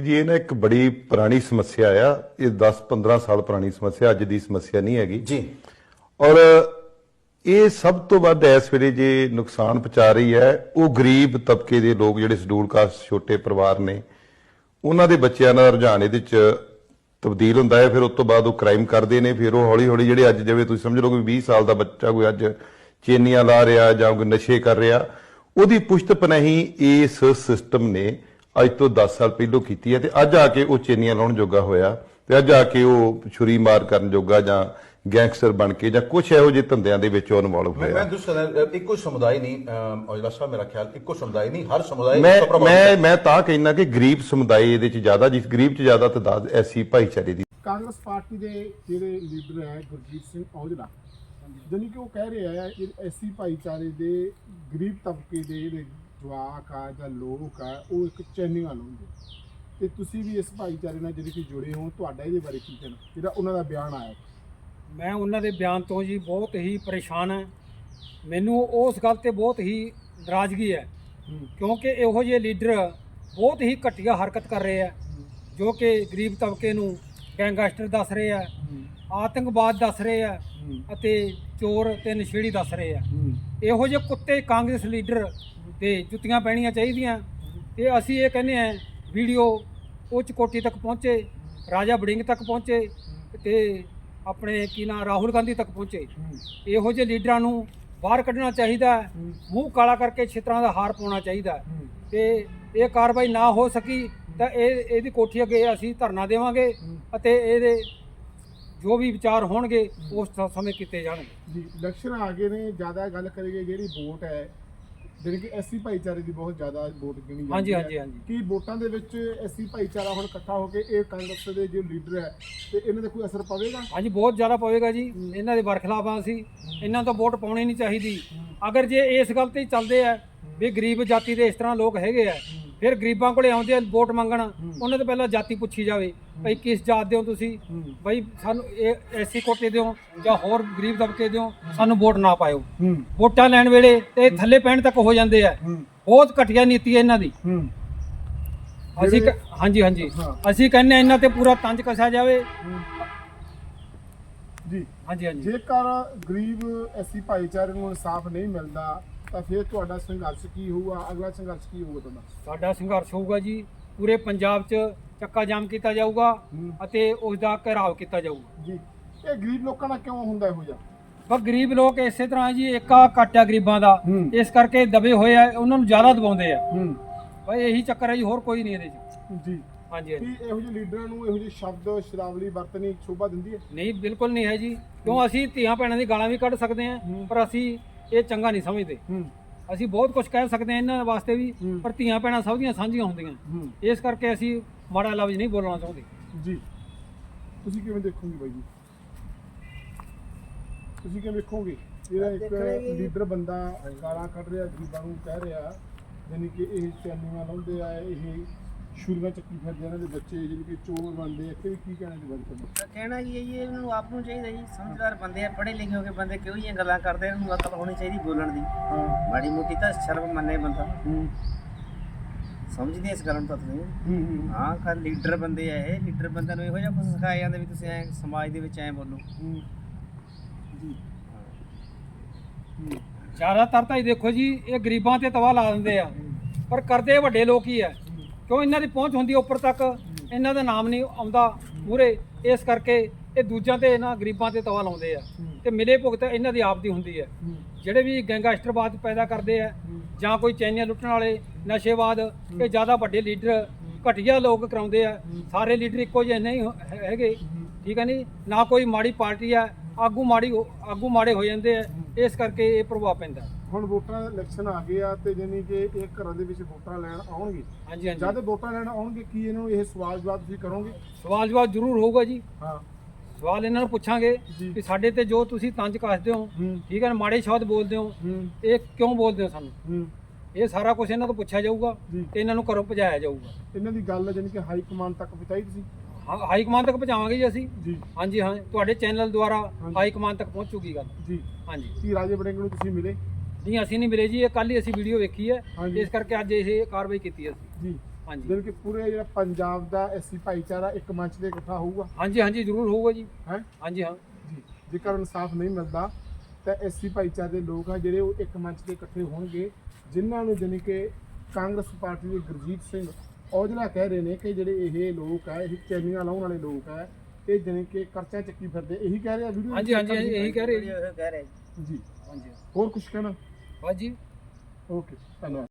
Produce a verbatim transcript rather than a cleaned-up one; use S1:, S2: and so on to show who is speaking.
S1: जी ये ना एक बड़ी पुरानी समस्या आ, ये दस पंद्रह साल पुरानी समस्या, अज की समस्या नहीं हैगी
S2: जी।
S1: और ये सब तो वध इस वेले जे नुकसान पहुंचा रही है वो गरीब तबके के लोग जिहड़े शेड्यूल कास्ट छोटे परिवार ने उन्होंने बच्चों का रुझान ये तब्दील होंदा है। फिर उस तो बाद वो क्राइम करते हैं, फिर वो हौली हौली जिहड़े अज जिवें तुसीं समझ लो कि बीस साल का बच्चा कोई अज चेनियां ला रहा जां कोई नशे कर रहा, ਉਹਦੀ ਪੁਸ਼ਤ ਪਨਾਹੀ ਇਸ ਸਿਸਟਮ ਨੇ ਅੱਜ ਤੋਂ दस ਸਾਲ ਪਹਿਲੋਂ ਕੀਤੀ ਹੈ ਤੇ ਅੱਜ ਆ ਕੇ ਉਹ ਚੇਨੀਆਂ ਲਾਉਣ ਜੋਗਾ ਹੋਇਆ ਤੇ ਅੱਜ ਆ ਕੇ ਉਹ ਛੁਰੀ ਮਾਰ ਕਰਨ ਜੋਗਾ ਜਾਂ ਗੈਂਗਸਟਰ ਬਣ ਕੇ ਜਾਂ ਕੁਝ ਇਹੋ ਜਿਹੇ ਧੰਦਿਆਂ ਦੇ ਵਿੱਚ ਇਨਵੋਲਵ ਹੋਇਆ।
S2: ਮੈਂ ਦੂਸਰਾ ਇੱਕੋ ਸਮੁਦਾਇ ਨਹੀਂ ਔਜਲਾ ਸਾਹਿਬ, ਮੇਰਾ ਖਿਆਲ ਇੱਕੋ ਸਮੁਦਾਇ ਨਹੀਂ, ਹਰ ਸਮੁਦਾਇ
S1: ਮੈਂ ਮੈਂ ਮੈਂ ਤਾਂ ਕਹਿਣਾ ਕਿ ਗਰੀਬ ਸਮੁਦਾਇ ਇਹਦੇ ਚ ਜ਼ਿਆਦਾ, ਜਿਸ ਗਰੀਬ ਚ ਜ਼ਿਆਦਾ ਤਦਾਦ ਐਸੀ ਭਾਈਚਾਰੇ ਦੀ।
S3: ਕਾਂਗਰਸ ਪਾਰਟੀ ਦੇ ਜਿਹੜੇ ਲੀਡਰ ਹੈ ਗੁਰਜੀਤ ਸਿੰਘ ਔਜਲਾ, ਜਾਨੀ ਕਿ ਉਹ ਕਹਿ ਰਿਹਾ ਹੈ ਐਸੀ ਭਾਈਚਾਰੇ ਦੇ ਗਰੀਬ ਤਬਕੇ ਦੇ ਜਿਹੜੇ ਜਵਾਕ ਆ ਜਾਂ ਲੋਕ ਆ ਉਹ ਇੱਕ ਚੈਨੀਆਂ ਲਾਉਂਦੇ ਤੇ ਤੁਸੀਂ ਵੀ ਇਸ ਭਾਈਚਾਰੇ ਨਾਲ ਜਿਹੜੇ ਕਿ ਜੁੜੇ ਹੋ, ਤੁਹਾਡਾ ਇਹਦੇ ਬਾਰੇ ਕੀ ਕਹਿਣਾ ਜਿਹੜਾ ਉਹਨਾਂ ਦਾ ਬਿਆਨ ਆਇਆ?
S4: ਮੈਂ ਉਹਨਾਂ ਦੇ ਬਿਆਨ ਤੋਂ ਜੀ ਬਹੁਤ ਹੀ ਪਰੇਸ਼ਾਨ ਹਾਂ। ਮੈਨੂੰ ਉਸ ਗੱਲ ਤੇ ਬਹੁਤ ਹੀ ਨਾਰਾਜ਼ਗੀ ਹੈ ਕਿਉਂਕਿ ਇਹੋ ਜਿਹੇ ਲੀਡਰ ਬਹੁਤ ਹੀ ਘਟੀਆ ਹਰਕਤ ਕਰ ਰਹੇ ਆ ਜੋ ਕਿ ਗਰੀਬ ਤਬਕੇ ਨੂੰ ਗੈਂਗਸਟਰ ਦੱਸ ਰਹੇ ਆ, ਆਤੰਕਵਾਦ ਦੱਸ ਰਹੇ ਆ ਅਤੇ ਚੋਰ ਤੇ ਨਸ਼ੇੜੀ ਦੱਸ ਰਹੇ ਆ। ਇਹੋ ਜਿਹੇ ਕੁੱਤੇ ਕਾਂਗਰਸ ਲੀਡਰ ਤੇ ਜੁੱਤੀਆਂ ਪੈਣੀਆਂ ਚਾਹੀਦੀਆਂ ਤੇ ਅਸੀਂ ਇਹ ਕਹਿੰਦੇ ਆ ਵੀਡੀਓ ਉੱਚ ਕੋਟੀ ਤੱਕ ਪਹੁੰਚੇ, ਰਾਜਾ ਵੜਿੰਗ ਤੱਕ ਪਹੁੰਚੇ ਤੇ ਆਪਣੇ ਕੀ ਨਾਂ ਰਾਹੁਲ ਗਾਂਧੀ ਤੱਕ ਪਹੁੰਚੇ। ਇਹੋ ਜਿਹੇ ਲੀਡਰਾਂ ਨੂੰ ਬਾਹਰ ਕੱਢਣਾ ਚਾਹੀਦਾ, ਮੂੰਹ ਕਾਲਾ ਕਰਕੇ ਛਿੱਤਰਾਂ ਦਾ ਹਾਰ ਪਾਉਣਾ ਚਾਹੀਦਾ ਤੇ ਇਹ ਕਾਰਵਾਈ ਨਾ ਹੋ ਸਕੀ ਤਾਂ ਇਹ ਇਹਦੀ ਕੋਠੀ ਅੱਗੇ ਅਸੀਂ ਧਰਨਾ ਦੇਵਾਂਗੇ ਅਤੇ ਇਹਦੇ ਜੋ ਵੀ ਵਿਚਾਰ ਹੋਣਗੇ ਉਸ ਸਮੇਂ ਕੀਤੇ ਜਾਣਗੇ।
S3: ਜੀ ਇਲੈਕਸ਼ਨ ਆ ਗਏ ਨੇ, ਜ਼ਿਆਦਾ ਗੱਲ ਕਰੀਏ ਜਿਹੜੀ ਵੋਟ ਹੈ ਜਿਹੜੀ ਕਿ ਐਸੀ ਭਾਈਚਾਰੇ ਦੀ ਬਹੁਤ ਜ਼ਿਆਦਾ ਵੋਟ ਗਿਣੀ ਜਾਂਦੀ ਹੈ।
S4: ਹਾਂਜੀ ਹਾਂਜੀ ਹਾਂਜੀ।
S3: ਕੀ ਵੋਟਾਂ ਦੇ ਵਿੱਚ ਐਸੀ ਭਾਈਚਾਰਾ ਹੁਣ ਇਕੱਠਾ ਹੋ ਕੇ ਇਹ ਕਾਂਗਰਸ ਦੇ ਜੋ ਲੀਡਰ ਹੈ ਤੇ ਇਹਨਾਂ ਦਾ ਕੋਈ ਅਸਰ ਪਵੇਗਾ?
S4: ਹਾਂਜੀ ਬਹੁਤ ਜ਼ਿਆਦਾ ਪਵੇਗਾ ਜੀ। ਇਹਨਾਂ ਦੇ ਬਰਖਲਾਫ ਆ ਅਸੀਂ, ਇਹਨਾਂ ਤੋਂ ਵੋਟ ਪਾਉਣੀ ਨਹੀਂ ਚਾਹੀਦੀ। ਅਗਰ ਜੇ ਇਸ ਗੱਲ ਤੇ ਹੀ ਚੱਲਦੇ ਆ ਵੀ ਗਰੀਬ ਜਾਤੀ ਦੇ ਇਸ ਤਰ੍ਹਾਂ ਲੋਕ ਹੈਗੇ ਆ, ਫਿਰ ਗਰੀਬਾਂ ਕੋਲੇ ਆਉਂਦੇ ਆ ਵੋਟ ਮੰਗਣ, ਉਹਨਾਂ ਤੋਂ ਪਹਿਲਾਂ ਜਾਤੀ ਪੁੱਛੀ ਜਾਵੇ ਭਾਈ ਕਿਸ ਜਾਤ ਦੇ ਹੋ ਤੁਸੀਂ, ਭਾਈ ਸਾਨੂੰ ਇਹ ਐਸੀ ਕੋਟੇ ਦਿਓ ਜਾਂ ਹੋਰ ਗਰੀਬ ਦਬਕੇ ਦਿਓ, ਸਾਨੂੰ ਵੋਟ ਨਾ ਪਾਇਓ। ਵੋਟਾਂ ਲੈਣ ਵੇਲੇ ਤੇ ਥੱਲੇ ਪੈਣ ਤੱਕ ਹੋ ਜਾਂਦੇ ਆ। ਬਹੁਤ ਘਟੀਆ ਨੀਤੀ ਹੈ ਇਹਨਾਂ ਦੀ। ਅਸੀਂ ਹਾਂਜੀ ਹਾਂਜੀ ਅਸੀਂ ਕਹਿੰਦੇ ਆ ਇਹਨਾਂ ਤੇ ਪੂਰਾ ਤੰਜ ਕੱਸਿਆ ਜਾਵੇ।
S3: ਜੀ
S4: ਹਾਂਜੀ ਹਾਂਜੀ।
S3: ਜੇਕਰ ਗਰੀਬ ਐਸੀ ਭਾਈਚਾਰੇ ਨੂੰ ਇਨਸਾਫ ਨਹੀਂ ਮਿਲਦਾ ਤਾਂ ਫਿਰ ਤੁਹਾਡਾ ਸੰਘਰਸ਼ ਕੀ ਹੋਊਗਾ? ਅਗਲਾ ਸੰਘਰਸ਼ ਕੀ ਹੋਊਗਾ ਤੁਹਾਡਾ?
S4: ਸਾਡਾ ਸੰਘਰਸ਼ ਹੋਊਗਾ ਜੀ ਪੂਰੇ ਪੰਜਾਬ 'ਚ ਚੱਕਾ ਜਾਮ ਕੀਤਾ ਜਾਊਗਾ ਅਤੇ ਉਸ ਦਾ ਘਿਰਾਓ ਕੀਤਾ ਜਾਊਗਾ।
S3: ਜੀ ਇਹ ਗਰੀਬ ਲੋਕਾਂ ਨਾਲ ਕਿਉਂ ਹੁੰਦਾ ਇਹੋ ਜਿਹਾ?
S4: ਪਰ ਗਰੀਬ ਲੋਕ ਇਸੇ ਤਰ੍ਹਾਂ ਜੀ ਏਕਾ ਘੱਟ ਆ ਗਰੀਬਾਂ ਦਾ, ਇਸ ਕਰਕੇ ਦਬੇ ਹੋਏ ਆ, ਉਹਨਾਂ ਨੂੰ ਜ਼ਿਆਦਾ ਦਬਾਉਂਦੇ ਆ। ਭਾਈ ਇਹੀ ਚੱਕਰ ਹੈ ਜੀ, ਹੋਰ ਕੋਈ ਨਹੀਂ ਇਹਦੇ 'ਚ। ਜੀ ਹਾਂਜੀ ਹਾਂਜੀ।
S3: ਕੀ ਇਹੋ ਜਿਹੇ ਲੀਡਰਾਂ ਨੂੰ ਇਹੋ ਜਿਹੇ ਸ਼ਬਦ ਸ਼ਬਦਾਵਲੀ ਵਰਤਣੀ ਸ਼ੋਭਾ ਦਿੰਦੀ ਹੈ?
S4: ਨਹੀਂ ਬਿਲਕੁਲ ਨਹੀਂ ਹੈ ਜੀ, ਕਿਉਂ ਅਸੀਂ ਧੀਆਂ ਭੈਣਾਂ ਦੀ ਗਾਲਾਂ ਵੀ ਕੱਢ ਸਕਦੇ ਹਾਂ ਪਰ ਅਸੀਂ ਇਹ ਚੰਗਾ ਨਹੀਂ ਸਮਝਦੇ। ਅਸੀਂ ਬਹੁਤ ਕੁਝ ਕਹਿ ਸਕਦੇ ਹਾਂ ਇਹਨਾਂ ਵਾਸਤੇ ਵੀ, ਪਰ ਧੀਆਂ ਭੈਣਾਂ ਸਭ ਦੀਆਂ ਸਾਂਝੀਆਂ ਹੁੰਦੀਆਂ, ਇਸ ਕਰਕੇ ਅਸੀਂ ਮਾੜਾ ਲਫ਼ਜ਼ ਨਹੀਂ ਬੋਲਣਾ ਚਾਹੁੰਦੇ।
S3: ਜੀ ਤੁਸੀਂ ਕਿਵੇਂ ਦੇਖੋਗੇ ਬਾਈ ਜੀ? ਤੁਸੀਂ ਕਿਵੇਂ ਵੇਖੋਗੇ ਜਿਹੜਾ ਇੱਕ ਲੀਡਰ ਬੰਦਾ ਗਾਲਾਂ ਕੱਢ ਰਿਹਾ, ਗਰੀਬਾਂ ਨੂੰ ਕਹਿ ਰਿਹਾ ਯਾਨੀ ਕਿ ਇਹ ਚੈਨੀਆਂ ਲਾਉਂਦੇ ਆ, ਇਹ ਛੁਰੀਆਂ ਚੱਕੀ ਫਿਰਦੇ ਇਹਨਾਂ ਦੇ ਬੱਚੇ ਜਿਹੜੇ ਕਿ ਚੋਰ ਬਣਦੇ ਆ, ਕਿ ਕੀ ਕਹਿਣਾ ਜੀ ਬਾਰੇ ਤੁਹਾਡਾ?
S5: ਕਹਿਣਾ ਜੀ ਇਹ ਇਹਨਾਂ ਨੂੰ ਆਪ ਨੂੰ ਚਾਹੀਦਾ ਜੀ, ਸਮਝਦਾਰ ਬੰਦੇ ਆ, ਪੜ੍ਹੇ ਲਿਖੇ ਹੋ ਕੇ ਬੰਦੇ ਕਿਉਂ ਜਿਹੀਆਂ ਗੱਲਾਂ ਕਰਦੇ, ਇਹਨਾਂ ਨੂੰ ਅਕਲ ਹੋਣੀ ਚਾਹੀਦੀ ਬੋਲਣ ਦੀ। ਮਾੜੀ ਮੋਟੀ ਤਾਂ ਸ਼ਰਮ ਮੰਨੇ ਬੰਦਾ, ਸਮਝਦੇ ਇਸ ਗੱਲ ਨੂੰ ਤਾਂ ਤੁਸੀਂ। ਹਾਂ ਕਰ ਲੀਡਰ ਬੰਦੇ ਆ ਇਹ, ਲੀਡਰ ਬੰਦਿਆਂ ਨੂੰ ਇਹੋ ਜਿਹਾ ਕੁਝ ਸਿਖਾਇਆ ਜਾਂਦਾ ਵੀ ਤੁਸੀਂ ਐ ਸਮਾਜ ਦੇ ਵਿੱਚ ਐ ਬੋਲੋ।
S4: ਜ਼ਿਆਦਾਤਰ ਤਾਂ ਇਹ ਦੇਖੋ ਜੀ ਇਹ ਗਰੀਬਾਂ ਤੇ ਤਵਾ ਲਾ ਦਿੰਦੇ ਆ, ਪਰ ਕਰਦੇ ਵੱਡੇ ਲੋਕ ਹੀ ਆ, ਕਿਉਂ ਇਹਨਾਂ ਦੀ ਪਹੁੰਚ ਹੁੰਦੀ ਉੱਪਰ ਤੱਕ, ਇਹਨਾਂ ਦਾ ਨਾਮ ਨਹੀਂ ਆਉਂਦਾ ਮੂਹਰੇ, ਇਸ ਕਰਕੇ ਇਹ ਦੂਜਿਆਂ ਤੇ ਇਹਨਾਂ ਗਰੀਬਾਂ ਤੇ ਤਵਾ ਲਾਉਂਦੇ ਆ ਤੇ ਮਿਲੇ ਭੁਗਤ ਇਹਨਾਂ ਦੀ ਆਪ ਦੀ ਹੁੰਦੀ ਹੈ। ਜਿਹੜੇ ਵੀ ਗੈਂਗਸਟਰਵਾਦ ਪੈਦਾ ਕਰਦੇ ਆ ਜਾਂ ਕੋਈ ਚੈਨੀਆਂ ਲੁੱਟਣ ਵਾਲੇ ਨਸ਼ੇਵਾਦ, ਇਹ ਜ਼ਿਆਦਾ ਵੱਡੇ ਲੀਡਰ ਘਟੀਆ ਲੋਕ ਕਰਾਉਂਦੇ ਆ। ਸਾਰੇ ਲੀਡਰ ਇੱਕੋ ਜਿਹੇ ਨਹੀਂ ਹੈਗੇ, ਠੀਕ ਹੈ ਨਹੀਂ, ਨਾ ਕੋਈ ਮਾੜੀ ਪਾਰਟੀ ਆ, ਆਗੂ ਮਾੜੀ ਆਗੂ ਮਾੜੇ ਹੋ ਜਾਂਦੇ ਆ, ਇਸ ਕਰਕੇ ਇਹ ਪ੍ਰਭਾਵ ਪੈਂਦਾ।
S3: ਹੁਣ ਵੋਟਾਂ ਦਾ ਇਲੈਕਸ਼ਨ ਆ ਗਏ ਆ ਤੇ ਜਾਨੀ ਕਿ ਇਹ ਘਰਾਂ ਦੇ ਵਿੱਚ ਵੋਟਾਂ ਲੈਣ ਆਉਣਗੇ।
S4: ਹਾਂਜੀ ਹਾਂਜੀ।
S3: ਜਦ ਵੋਟਾਂ ਲੈਣ ਆਉਣਗੇ ਕੀ ਇਹਨਾਂ ਨੂੰ ਇਹ ਸਵਾਲ ਜਵਾਬ ਤੁਸੀਂ ਕਰੋਗੇ?
S4: ਸਵਾਲ ਜਵਾਬ ਜ਼ਰੂਰ ਹੋਊਗਾ ਜੀ।
S3: ਹਾਂ
S4: ਸਵਾਲ ਇਹਨਾਂ ਨੂੰ ਪੁੱਛਾਂਗੇ ਕਿ ਸਾਡੇ ਤੇ ਜੋ ਤੁਸੀਂ ਤੰਜ ਕੱਸਦੇ ਹੋ, ਠੀਕ ਹੈ, ਮਾੜੇ ਸ਼ਬਦ ਬੋਲਦੇ ਹੋ, ਇਹ ਕਿਉਂ ਬੋਲਦੇ ਹੋ ਸਾਨੂੰ, ਇਹ ਸਾਰਾ ਕੁਝ ਇਹਨਾਂ ਤੋਂ ਪੁੱਛਿਆ ਜਾਊਗਾ ਤੇ ਇਹਨਾਂ ਨੂੰ ਘਰੋਂ ਭਜਾਇਆ ਜਾਊਗਾ।
S3: ਇਹਨਾਂ ਦੀ ਗੱਲ ਜਾਨੀ ਕਿ ਹਾਈ ਕਮਾਂਡ ਤੱਕ ਪਹੁੰਚਾਈ ਤੁਸੀਂ?
S4: ਹਾਂ ਹਾਈ ਕਮਾਂਡ ਤੱਕ ਪਹੁੰਚਾਵਾਂਗੇ ਜੀ ਅਸੀਂ।
S3: ਜੀ
S4: ਹਾਂਜੀ ਹਾਂ, ਤੁਹਾਡੇ ਚੈਨਲ ਦੁਆਰਾ ਹਾਈ ਕਮਾਂਡ ਤੱਕ ਪਹੁੰਚੂਗੀ ਗੱਲ।
S3: ਜੀ
S4: ਹਾਂਜੀ।
S3: ਕੀ ਰਾਜੇ ਵੜਿੰਗ ਨੂੰ ਤੁਸੀਂ ਮਿਲੇ?
S4: ਨਹੀਂ ਅਸੀਂ ਨਹੀਂ ਮਿਲੇ ਜੀ, ਇਹ ਕੱਲ ਹੀ ਅਸੀਂ ਵੀਡੀਓ ਵੇਖੀ ਹੈ, ਇਸ ਕਰਕੇ ਅੱਜ ਇਹ ਕਾਰਵਾਈ ਕੀਤੀ ਹੈ ਅਸੀਂ।
S3: ਜੀ
S4: ਹਾਂਜੀ
S3: ਜਿਵੇਂ ਕਿ ਪੂਰੇ ਜਿਹੜਾ ਪੰਜਾਬ ਦਾ ਐਸੀ ਭਾਈਚਾਰਾ ਇੱਕ ਮੰਚ ਤੇ ਇਕੱਠਾ ਹੋਊਗਾ
S4: ਹਾਂਜੀ ਹਾਂਜੀ ਜ਼ਰੂਰ ਹੋਊਗਾ ਜੀ।
S3: ਹੈ
S4: ਹਾਂਜੀ ਹਾਂ
S3: ਜੀ। ਜੇਕਰ ਇਨਸਾਫ ਨਹੀਂ ਮਿਲਦਾ ਤਾਂ ਐਸੀ ਭਾਈਚਾਰੇ ਦੇ ਲੋਕ ਆ ਜਿਹੜੇ ਉਹ ਇੱਕ ਮੰਚ ਤੇ ਇਕੱਠੇ ਹੋਣਗੇ, ਜਿਨ੍ਹਾਂ ਨੂੰ ਜਾਣੀ ਕਿ ਕਾਂਗਰਸ ਪਾਰਟੀ ਦੇ ਗੁਰਜੀਤ ਸਿੰਘ ਔਜਲਾ ਕਹਿ ਰਹੇ ਨੇ ਕਿ ਜਿਹੜੇ ਇਹ ਲੋਕ ਆ, ਇਹ ਚੈਨੀਆਂ ਲਾਉਣ ਵਾਲੇ ਲੋਕ ਆ, ਇਹ ਜਾਣੀ ਕਿ ਕਰਚਾ ਚੱਕੀ ਫਿਰਦੇ, ਇਹੀ ਕਹਿ ਰਿਹਾ ਵੀਡੀਓ
S4: ਹਾਂਜੀ ਹਾਂਜੀ ਹਾਂਜੀ, ਇਹੀ ਕਹਿ ਰਹੇ ਜੀ।
S5: ਇਹ ਕਹਿ ਰਹੇ
S3: ਜੀ।
S4: ਹਾਂਜੀ
S3: ਹੋਰ ਕੁਝ ਕਹਿਣਾ?
S4: ਹਾਂਜੀ
S3: ਓਕੇ, ਧੰਨਵਾਦ।